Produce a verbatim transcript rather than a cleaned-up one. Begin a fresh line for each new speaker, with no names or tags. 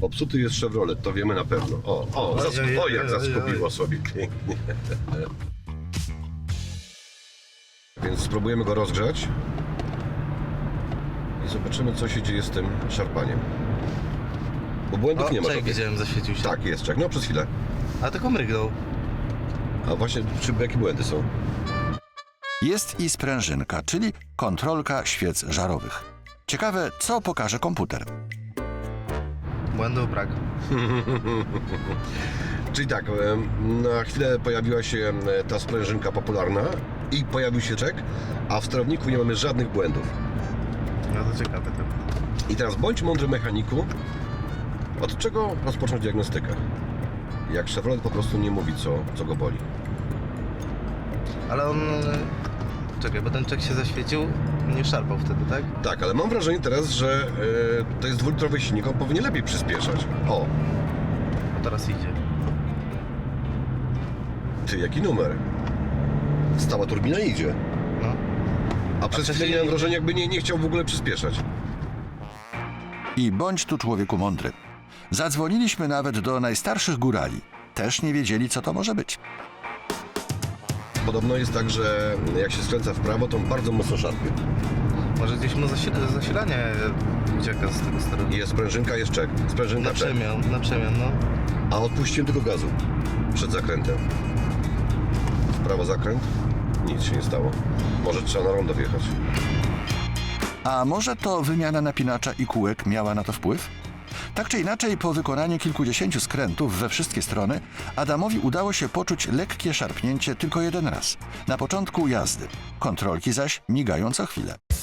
Popsuty jest Chevrolet, to wiemy na pewno. O, o, zas o jak zaskubiło sobie pięknie. Więc spróbujemy go rozgrzać i zobaczymy, co się dzieje z tym szarpaniem. Bo błędów
O,
nie ma.
czek widziałem, zaświecił się.
Tak, jest czek, no przez chwilę.
A tylko mrygnął.
A właśnie, czy jakie błędy są?
Jest i sprężynka, czyli kontrolka świec żarowych. Ciekawe, co pokaże komputer.
Błędów brak.
Czyli tak, na chwilę pojawiła się ta sprężynka popularna i pojawił się czek, a w sterowniku nie mamy żadnych błędów.
No to ciekawe to.
I teraz bądź mądry mechaniku, od czego rozpocząć diagnostykę? Jak Chevrolet po prostu nie mówi, co, co go boli.
Ale on... Czekaj, bo ten czek się zaświecił, nie szarpał wtedy, tak?
Tak, ale mam wrażenie teraz, że yy, to jest dwulitrowy silnik, on powinien lepiej przyspieszać. O,
No teraz idzie.
ty, jaki numer? Stała turbina idzie.
No.
A przez chwilę
wcześniej-
miałem wrażenie, jakby nie, nie chciał w ogóle przyspieszać.
I bądź tu człowieku mądry. Zadzwoniliśmy nawet do najstarszych górali. Też nie wiedzieli, co to może być.
Podobno jest tak, że jak się skręca w prawo, to on bardzo mocno szarpie.
Może gdzieś mu zasil zasilanie ucieka z tego sterownika.
Jest sprężynka, jest czek. Sprężynka,
Na
czek.
przemian, na przemian, no.
A odpuściłem tylko gazu przed zakrętem. W prawo zakręt, nic się nie stało. Może trzeba na rondo wjechać.
A może to wymiana napinacza i kółek miała na to wpływ? Tak czy inaczej, po wykonaniu kilkudziesięciu skrętów we wszystkie strony, Adamowi udało się poczuć lekkie szarpnięcie tylko jeden raz. Na początku jazdy. Kontrolki zaś migają co chwilę.